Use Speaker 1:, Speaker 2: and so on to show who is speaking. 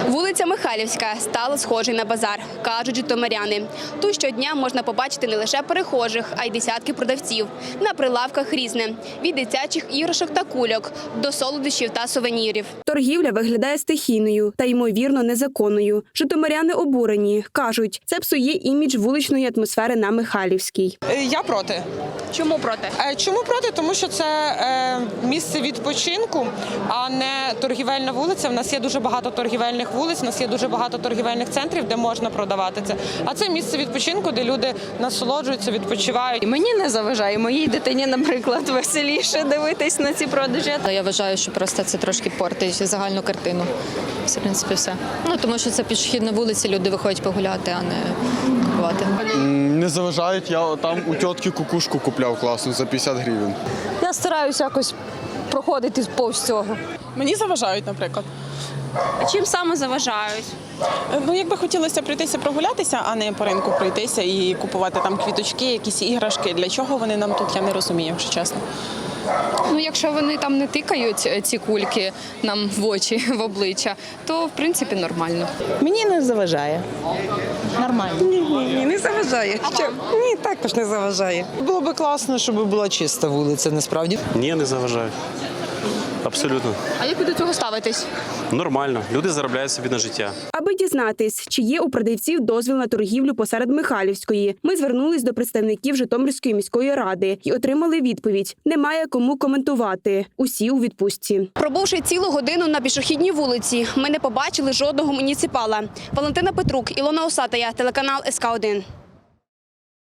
Speaker 1: Вулиця Михайлівська стала схожою на базар, кажуть житомиряни. Тут щодня можна побачити не лише перехожих, а й десятки продавців. На прилавках різне – від дитячих іграшок та кульок до солодощів та сувенірів. Торгівля виглядає стихійною та, ймовірно, незаконною. Житомиряни обурені. Кажуть, це псує імідж вуличної атмосфери на Михайлівській.
Speaker 2: Я проти.
Speaker 1: Чому проти?
Speaker 2: Чому проти? Тому що це місце відпочинку, а не торгівельна вулиця. У нас є дуже багато торгівельних вулиць, у нас є дуже багато торгівельних центрів, де можна продавати це. А це місце відпочинку, де люди насолоджуються, відпочивають.
Speaker 3: Мені не заважає, моїй дитині, наприклад, веселіше дивитись на ці продажі.
Speaker 4: Я вважаю, що просто це трошки портить загальну картину. В принципі, все. Тому що це пішохідна вулиця, люди виходять погуляти, а не купувати.
Speaker 5: Не заважають, я там у тітки кукушку купляв класну за 50 гривень.
Speaker 3: Я стараюся якось проходити повз цього.
Speaker 6: Мені заважають, наприклад.
Speaker 1: Чим саме заважають?
Speaker 6: Якби хотілося пройтися прогулятися, а не по ринку пройтися і купувати там квіточки, якісь іграшки. Для чого вони нам тут, я не розумію, якщо чесно.
Speaker 7: Якщо вони там не тикають ці кульки нам в очі, в обличчя, то в принципі нормально.
Speaker 8: Мені не заважає. Нормально.
Speaker 9: Ні, не заважає. Ні, також не заважає.
Speaker 8: Було б класно, щоб була чиста вулиця, насправді.
Speaker 10: Ні, не заважає. Абсолютно.
Speaker 1: А як ви до цього ставитесь?
Speaker 10: Нормально. Люди заробляють собі на життя.
Speaker 1: Аби дізнатись, чи є у продавців дозвіл на торгівлю посеред Михайлівської, ми звернулись до представників Житомирської міської ради і отримали відповідь – немає кому коментувати. Усі у відпустці. Пробувши цілу годину на пішохідній вулиці, ми не побачили жодного муніципала. Валентина Петрук, Ілона Осатая, телеканал СК1.